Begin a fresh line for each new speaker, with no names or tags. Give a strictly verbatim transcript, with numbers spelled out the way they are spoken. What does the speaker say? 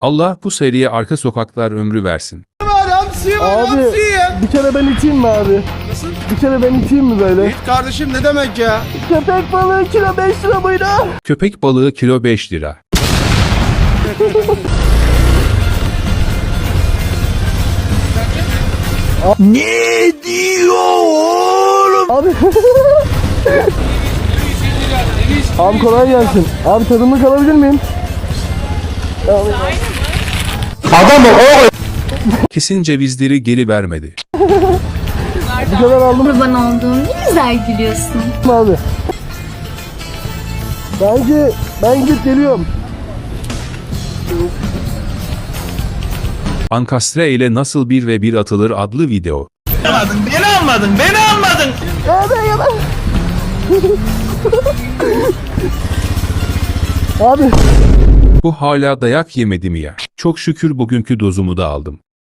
Allah bu seriye arka sokaklar ömrü versin.
Abi bir kere ben iteyim mi abi?
Nasıl?
Bir kere ben iteyim mi böyle?
Git kardeşim ne demek ya?
Köpek balığı kilo beş lira mıydı?
Köpek balığı kilo beş lira.
Ne diyor oğlum? Abi. Abi kolay gelsin. Abi tadımlık alabilir miyim? Adam o.
Kesin cevizleri geri vermedi.
Bu kadar aldım
Kurban olduğum ne güzel gülüyorsun.
abi. Bence ben gidip geliyorum.
Ankastre ile nasıl bir ve bir atılır adlı video.
Almadın, beni almadın, beni almadın.
Abi ya ben. Abi.
Bu hala dayak yemedi mi ya? Çok şükür bugünkü dozumu da aldım.